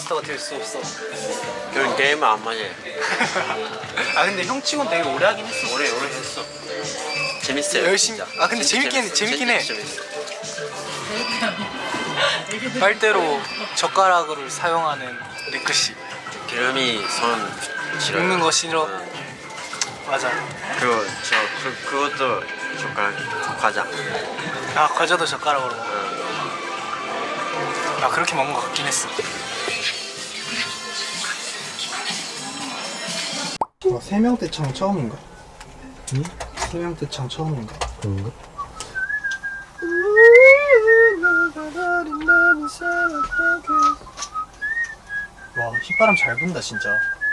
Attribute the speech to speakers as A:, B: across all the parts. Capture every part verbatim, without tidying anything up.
A: 마스터가 될 수 없어.
B: 그런 게임은 안 맞아요.
A: 아 근데 형 치곤 되게 오래 하긴 했어.
B: 오래 오래 했어. 재밌어요.
A: 열심히.
B: 진짜.
A: 아 근데 재밌긴 재밌긴 해.
B: 재밌어.
A: 빨대로 젓가락을 사용하는 리크 씨.
B: 기름이 손 싫어요.
A: 먹는 거 싫어.
B: 응.
A: 맞아.
B: 그리고 저 그, 그것도 젓가락 과자.
A: 아 과자도 젓가락으로 먹어.
B: 응.
A: 아 그렇게 먹는 거 같긴 했어.
C: 어, 세명대창 처음인가? 응? 세명대창 처음인가? 그런가? 와 휘바람 잘 분다 진짜.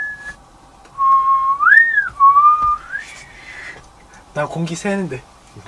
C: 나 공기 새는데.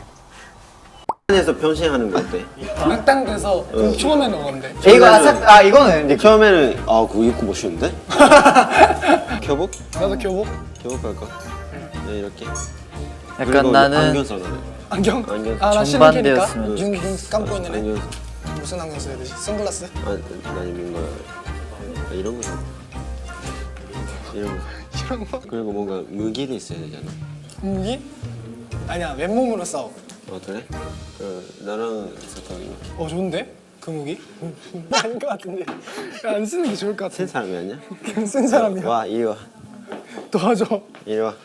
B: 에서 변신하는 거 어때?
D: 악당돼서 처음에는 오건데.
C: 이거 아삭 아 이거는
B: 근데 처음에는 아 그거 입고 멋있는데? 교복?
D: 나도 교복?
B: 교복 할까? 네 이렇게.
E: 약간 나는
B: 안경 써야 돼.
D: 안경?
B: 안경.
D: 아 나 시민이니까
E: 정반대였으면
D: 눈, 눈 감고 있는 애?
B: 안경.
D: 무슨 안경 써야 되지? 선글라스?
B: 아, 아니 뭔가 아, 이런 거. 이런 거.
D: 이런 거?
B: 그리고 뭔가 무기도 있어야 되잖아.
D: 무기? 아니야 맨몸으로 싸워.
B: 아 그래? 그 나랑 잠깐 이렇게.
D: 어 좋은데? 그 무기? 아닌 것 같은데. 안 쓰는 게 좋을 것
B: 센
D: 같은데.
B: 사람이 아니야?
D: 그냥 쓴 사람이야.
B: 와 이리 와.
D: 도와줘.
B: 이리 와.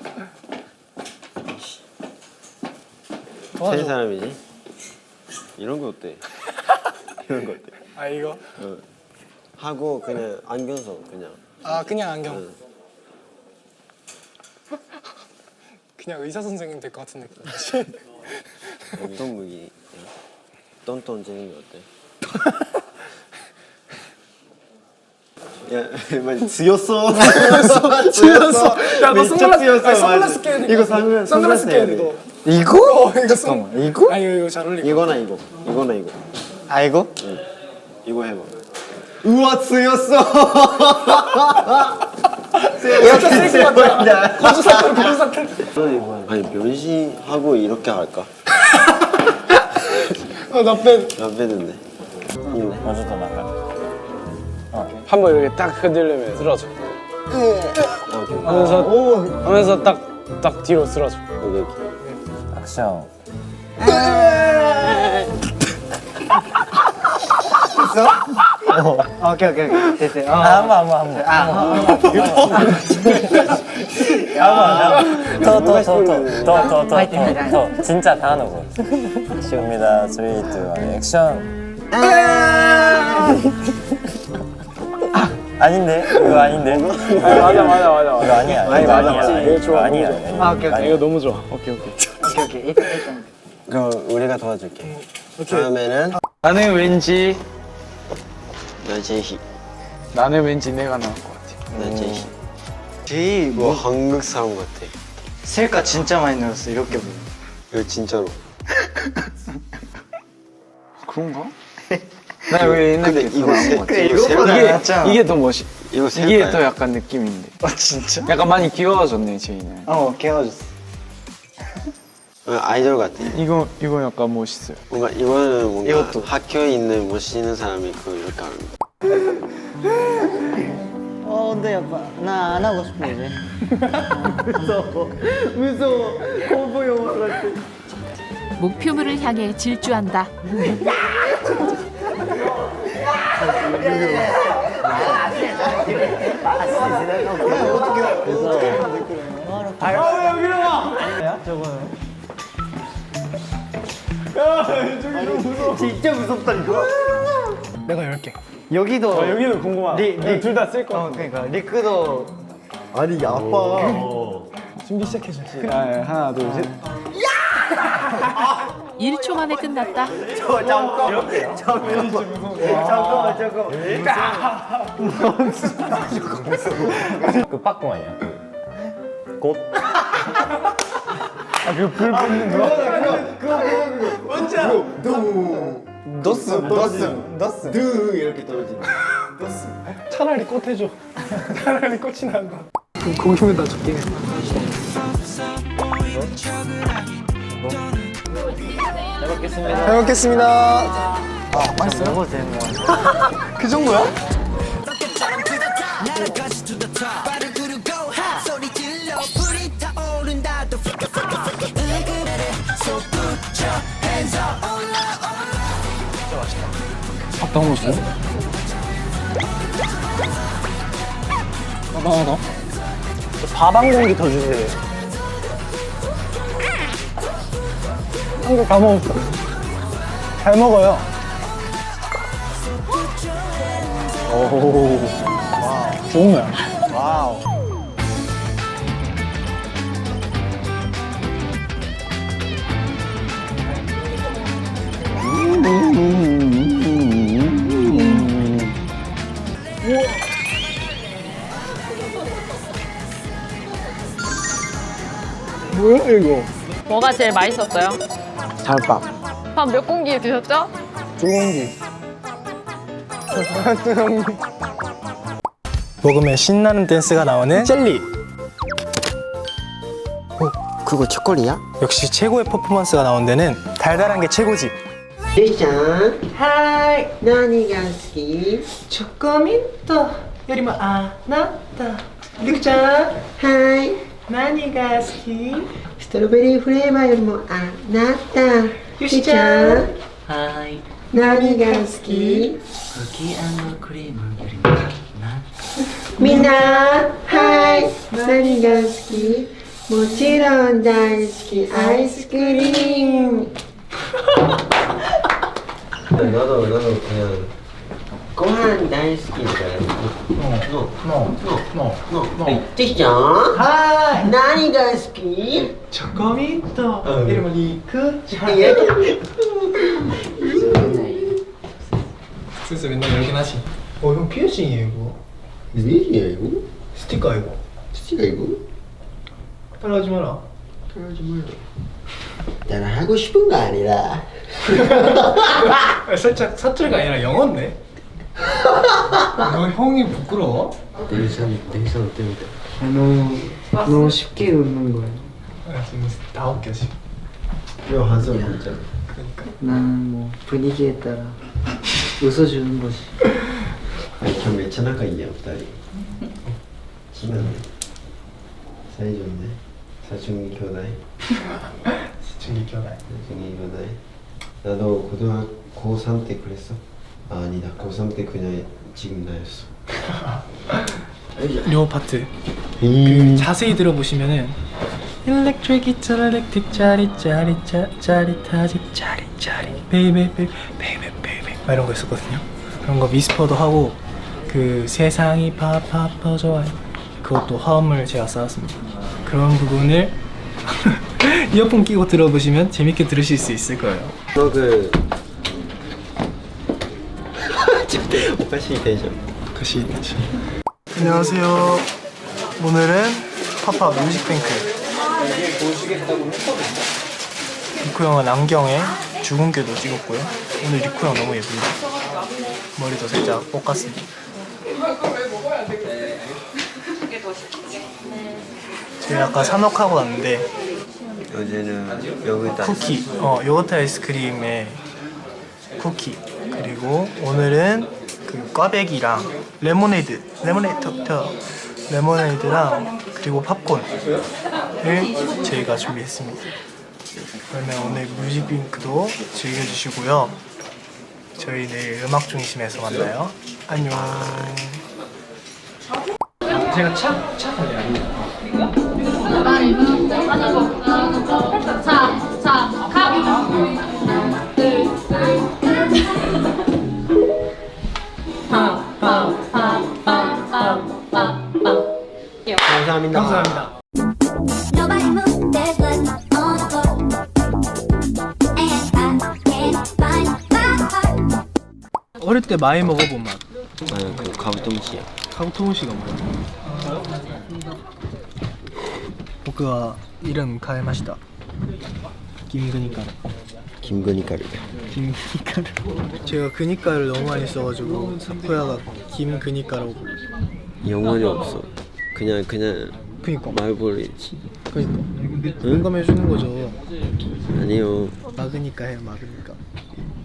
D: 도와줘.
B: 센 사람이지? 이런 거 어때? 이런 거 어때?
D: 아 이거?
B: 어. 하고 그냥 안경 써 그냥.
D: 아 그냥 안경.
B: 응.
D: 그냥 의사 선생님 될 것 같은 느낌.
B: 어떤 무기? 똔똔 재는 거 어때? 야, 많이 지었어.
D: 지었어. 야, 너 선글라스,
B: 지었어.
D: 아니, 선글라스 껴야 돼.
B: 이거 선글라스,
D: 선글라스 껴야 돼,
B: 해야
D: 너.
E: 이거?
D: 어, 이거 선.
E: 이거?
D: 아, 이거, 이거 잘 어울릴 것
B: 이거나 이거. 이거나 이거.
E: 아 이거?
B: 응. 이거 해봐. 우와, 지었어.
D: 진짜 쓸것 같아. 고주 사탕, 고주 사탕.
B: 아니 변신하고 이렇게 할까?
D: 어, 나 뺀.
B: 안 되는데.
E: 먼저 더 나가.
F: 한번 이렇게 딱 흔들려면 쓰러져.
B: 아, 오케이.
F: 하면서 하면서 딱 딱 뒤로 쓰러져.
B: 여기 여기.
E: 액션.
C: 어, 오케이 오케이 오케이 됐어요. 어.
E: 아, 한번 한번 한번. 아, 더더더더더더더 진짜 다 넣고. 시옵니다. 삼, 이, 일, 액션. 아닌데? 이거 아닌데?
F: 맞아 맞아 맞아.
E: 이거 아니야.
F: 아니,
E: 이거
F: 맞아.
E: 아니야.
F: 이거 좋아,
E: 아니야.
F: 너무
E: 아니야.
C: 아 오케이 오케이
F: 이거 너무 좋아. 오케이 오케이.
C: 오케이 오케이 일단 일단.
B: 그럼 우리가 도와줄게. 다음에는
F: 나는 왠지
B: 나 제희.
F: 나는 왠지 내가 나을 것 같아.
B: 나 제희.
C: 제이
B: 뭐
C: 뭐
B: 한국 사람 같아.
C: 셀카 진짜 많이 늘었어 이렇게 보면.
B: 이거 진짜로.
F: 그런가? 나 왜 옛날
B: 근데 이거 세,
C: 그래,
B: 이거
C: 이거보다
B: 세,
C: 낫잖아.
F: 이게 더 멋있.
B: 이거
F: 이게
B: 셀까요?
F: 더 약간 느낌인데.
C: 아 진짜?
F: 약간 많이 귀여워졌네 제이는.
C: 어 개워졌어.
B: 어, 아이돌 같아.
F: 이거 이거 약간 멋있어요.
B: 뭔가 이거는 뭔가
C: 이것도.
B: 학교에 있는 멋있는 사람이 그 이렇게 하는 거.
C: 어 근데 약간 나 안 하고 싶어 이제. 무서워 무서워 공포 영화 같아.
G: 목표물을 향해 질주한다.
C: 진짜 무섭다니까.
D: 내가 열 개.
C: 여기도
F: 아, 여기는 궁금하다. 둘 다 쓸 거.
C: 어 그러니까 리크도
B: 아니 아빠.
D: 준비 시작해줘.
F: 아, 하나 둘 셋.
G: 일 초 만에 끝났다.
C: 저 잠깐만 잠깐만 잠깐만 잠깐만
E: 그 빠꾸 아니야? 곧.
C: 그거 뭔지 알아? 너스 너스 너스 드 이렇게 떨어지는
D: 차라리 꽃 해줘. 차라리 꽃이 나은 거. 그럼 고기면 다 적긴 해.
E: 잘 먹겠습니다.
D: 잘 먹겠습니다. 아, 맛있어요?
C: 먹어도 되는 거야?
D: 그 정도야? 어떤 거 줘? 하나 더? 밥 한 공기 더 주세요. 한 개 다 먹었어. 잘 먹어요. 오, 와우. 좋은 거야.
C: 와우.
D: 뭐야 이거?
H: 뭐가 제일 맛있었어요?
F: 달밥.
H: 밥 몇 공기 드셨죠?
D: 두 공기. 두 공기. 먹으면 신나는 댄스가 나오는 젤리.
B: 그거 초콜릿이야?
D: 역시 최고의 퍼포먼스가 나온 데는 달달한 게 최고지.
B: ゆいちゃんはい何が好き
A: 초코민트よりもあなたりくちゃん
B: はい
A: 何が好き
B: ストロベリーフレーバーよりもあなた
A: ゆしちゃん
B: はい何が好き
A: クッキークリームよりもな
B: みんなはい何が好きもちろん大好きアイスクリーム 나도 나도 그냥 고한 다이스키니까 노
A: のの
B: 노 찌짱
A: は
B: 何が好き
A: いチョコミントよりもりくちゃん
D: 슬슬 맨날 열긴 하지. 어, 형 피어싱이에요 이거.
B: 뭐야 이거?
D: 스티커 이거.
B: 스티가 이거?
D: 따라하지 마라.
B: 나는 하고 싶은 거 아니라
D: 살짝 사투리가 아니라 영어인데? 너 형이 부끄러워?
B: 대선 대선 때문에
C: 너무 너무 쉽게 웃는 거예요.
D: 아, 지금 다 웃겨 지금.
B: 왜 한숨 진짜
C: 나는 뭐 분위기에 따라 웃어주는 거지.
B: 아니 전めっちゃ仲いいやん二人친하네 사이 좋네 사춘기 교대
D: 중기 기억나.
B: 사춘기 교대 나도 고등학교 고삼 때 그랬어? 아 아니다 고삼 때 그냥 지금 나였어
D: 요 파트
B: 음.
D: 자세히 들어보시면은 Electric guitar, electric 짜릿 짜릿 짜 짜릿하지 짜릿 짜릿 베이베 베이베 베이베 베이베 막 이런 거 있었거든요. 그런 거 위스퍼도 하고 그 세상이 파파 퍼져와요. 그것도 화음을 제가 쌓았습니다. 그런 부분을 이어폰 끼고 들어보시면 재밌게 들으실 수 있을 거예요.
B: 너그 오카시 텐션
D: 다시 다시. 안녕하세요. 오늘은 파파 뮤직뱅크. 리쿠 형은 안경에 주근깨도 찍었고요. 오늘 리쿠 형 너무 예쁩니다. 머리도 살짝 볶았습니다. 저희 아까 산옥하고 왔는데
B: 어제는 요거트
D: 쿠키, 어 요거트 아이스크림에 쿠키, 그리고 오늘은 그 꽈배기랑 레모네이드, 레모네이드, 레모네이드랑 그리고 팝콘을 저희가 준비했습니다. 그러면 오늘 뮤직뱅크도 즐겨주시고요. 저희 내일 음악 중심에서 만나요. 안녕. 제가 차, 차
B: 감사합니다
D: 감사합니다.
I: Nobody move, there's blood on the floor. And I can't find my heart.
D: 어릴 때 많이 먹어본 맛.
B: 아유 그 가부tom시야
D: 카부토무시가 뭐야?僕は 이름 가에마시다. 김그니까르.
B: 김건희가루
D: 김그니까르. 제가 그니까를 너무 많이 써가지고 사쿠야가 김그니까라고 불러.
B: 영혼이 없어 그냥 그냥
D: 그니까.
B: 말벌이지
D: 그니까. 공감해주는 거죠.
B: 아니요
D: 막으니까 해, 막으니까.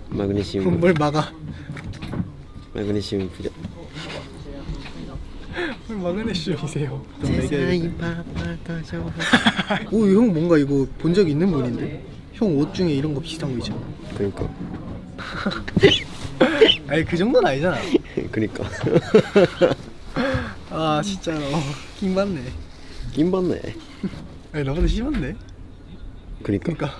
B: 마그네슘
D: 뭘 막아?
B: 마그네슘 부족
D: 마그네슘이세요.
B: 세상이 바빠져서.
D: 오, 형 뭔가 이거 본 적 있는 분인데? 형 옷 중에 이런 거 비슷한 거 있잖아.
B: 그러니까.
D: 아니 그 정도는 아니잖아.
B: 그러니까.
D: 아 진짜로 킹 받네.
B: 낌 받네.
D: 아니 나보다 심한데?
B: 그러니까.
D: 그러니까.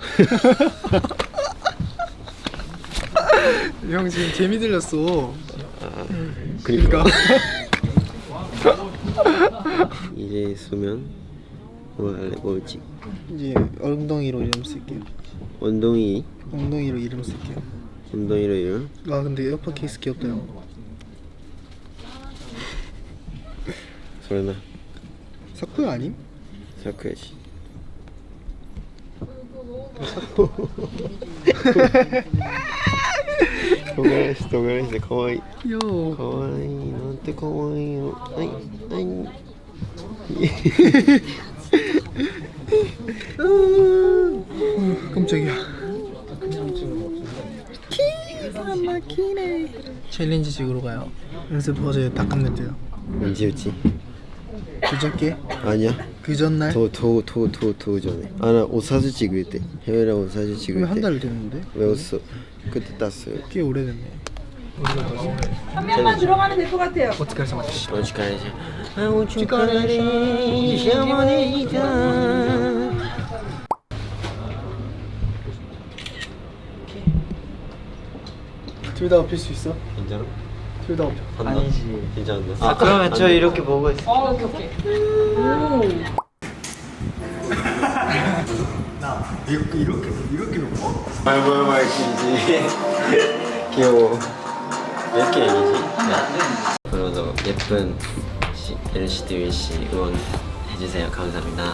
D: 형 지금 재미 들렸어.
B: 그러니까.
D: 그러니까.
B: 이제 쓰면 뭐 할래? 뭐지?
D: 이제 엉덩이로 이름 쓸게요.
B: 엉덩이.
D: 엉덩이로 이름 쓸게요.
B: 엉덩이로 이름.
D: 아 근데 에어팟 케이스 귀엽다 형.
B: 소리나.
D: 사쿠야 아님?
B: 사쿠야지. 도가라시 도가라시 가와이.
D: 귀여워.
B: 가와이 나한테 가와이요. 아이 아이.
D: 깜짝이야. 기가 막히네. 챌린지식으로 가요. 연습 어제 다 끝냈대요.
B: 언제였지?
D: 그저께?
B: 아니야.
D: 그 전날?
B: 더더더더더 전에. 아나 옷 사진 찍을 때. 해외랑 옷 사진 찍을 때.
D: 한 달 됐는데?
B: 외웠어. 그때 땄어요.
D: 꽤 오래됐네.
B: 한 명만 들어가면 될 것 같아요.
D: 어떻게 해서 맞지?
B: 오츠카레시. 아 오츠카레시. 샤모네이다.
D: 둘 다 엎힐 수 있어?
B: 괜찮아?
D: 둘 다 엎혀.
B: 아니지. 괜찮은데. 아 그러면 저 이렇게 보고 있어.
H: 어, 오케이, 오케이.
D: 이렇게 이렇게 이렇게 놓고?
B: 말 뭐야 말 길지. 귀여워. 왜 이렇게 얘기지? 앞으로도 예쁜 엔시티 씨 응원해주세요. 감사합니다.